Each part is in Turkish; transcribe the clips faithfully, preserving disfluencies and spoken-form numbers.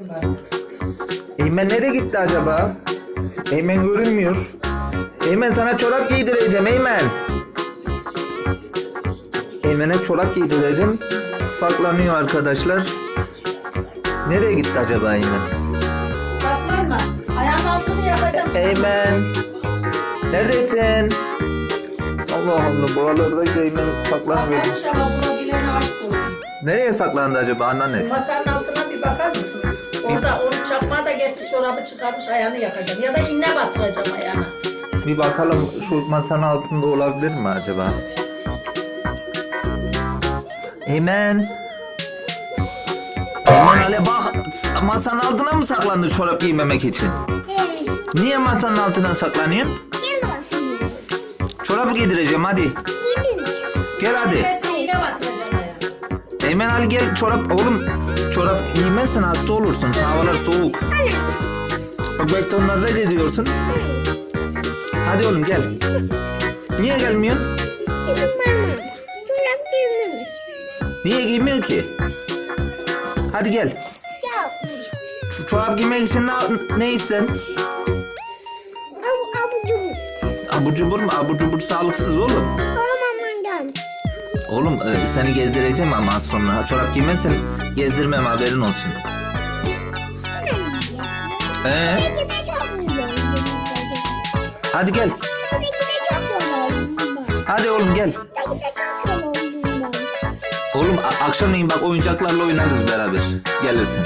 Eymen nereye gitti acaba? Eymen görünmüyor. Eymen sana çorap giydireceğim Eymen. Eymen'e çorap giydireceğim. Saklanıyor arkadaşlar. Nereye gitti acaba Eymen? Saklanma. Ayağın altını yapacağım. Eymen. Neredesin? Allah Allah, buralarda Eymen saklanmıyor. Saklanmış ama bulabilene aşk olsun. Nereye saklandı acaba anneannesi? Masanın altına bir bakar mısın? Orada onu çakmağı da getir, çorabı çıkarmış, ayağını yakacağım. Ya da iğne batıracağım ayağına. Bir bakalım şu masanın altında olabilir mi acaba? Eymen. Eymen hele bak, masanın altına mı saklandı çorap giymemek için? Hey, Niye masanın altına saklanıyorsun? gel bakayım. Çorabı giydireceğim hadi. Gidin. Gel hadi. Kesme iğne batıracağım ayağına. Eymen Ali gel, çorap oğlum. Çorap giymezsen hasta olursun. Havalar soğuk. Bak betonlarda geziyorsun. Hadi oğlum gel. Niye gelmiyorsun? Benim parmağım. Çorap giymemiş. Niye giymiyor ki? Hadi gel. Ya. Şu çorap giymek için ne, ne isten? Abu abucum. Abur cubur mu? Abur cubur sağlıksız oğlum. Olamam gel. Oğlum e, seni gezdireceğim ama az sonra. Çorap giymezsen gezdirmem, haberin olsun. Ee, Belki de çok güzel. hadi gel. Belki de çok güzel. Hadi oğlum gel. Belki de çok güzel. Oğlum a- akşamleyin bak oyuncaklarla oynarız beraber. Gelirsin.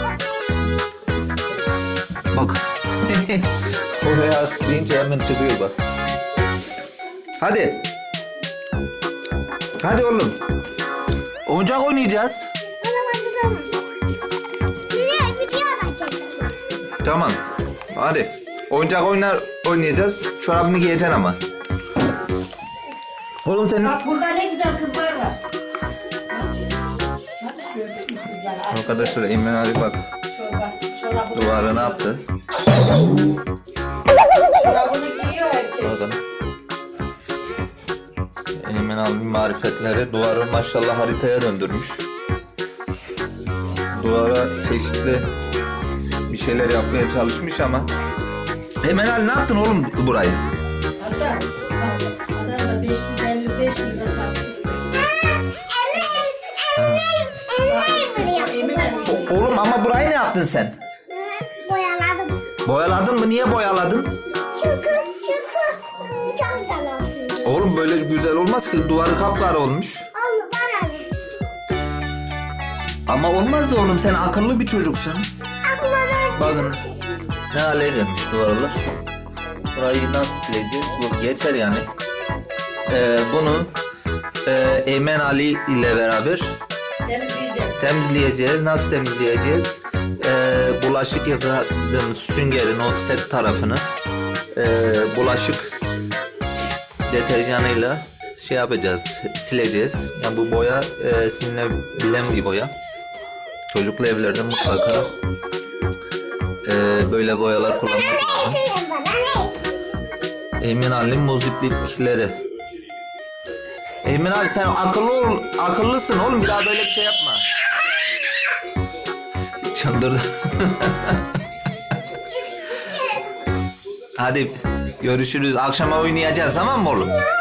Bak. Oraya deyince hemen çıkıyor bak. Hadi. Hadi oğlum. Oyuncak oynayacağız. Olamam bir zaman. Video, video da çekelim. Tamam. Hadi. Oyuncak oynar oynayacağız. Çorabını giyeceksin ama. Oğlum senin... Bak burada ne güzel kızlar var. Bak gördün mü kızlar? Arkadaşlar Eymen Ali bak. Çorbası, çorabını Duvarı ne yaptı? Çorabını giyiyor herkes. Bakın. Eymen Ali'nin marifetleri duvarı maşallah haritaya döndürmüş. Duvara çeşitli bir şeyler yapmaya çalışmış ama. Eymen Ali ne yaptın oğlum burayı? Hasan, bak, Adana'da beş yüz elli beş lira taksit. Emine. O- oğlum ama burayı ne yaptın sen? Boyaladım. Boyaladın mı? Niye boyaladın? Çünkü çünkü çok güzel olsun. Oğlum böyle güzel olmaz ki, duvarı kapkara olmuş. Al bana ne? Ama olmaz da oğlum, sen akıllı bir çocuksun. Aklına Bakın ne hale gelmiş duvarlar. Burayı nasıl sileceğiz? Bu geçer yani. Ee, bunu e, Eymen Ali ile beraber Temizleyeceğim. temizleyeceğiz. Nasıl temizleyeceğiz? Ee, bulaşık yıkadığımız süngerin o set tarafını e, bulaşık deterjanıyla şey yapacağız, sileceğiz. Yani bu boya e, silinebilen bir boya. Çocuklu evlerde mutlaka e, böyle boyalar kullanmak lazım. ne? Bana ne? Eymen Ali'nin muziplikleri. Eymen Ali sen akıllı ol, akıllısın oğlum, bir daha böyle bir şey yapma. Çıldırdı. Hadi görüşürüz. Akşama oynayacağız, tamam mı oğlum?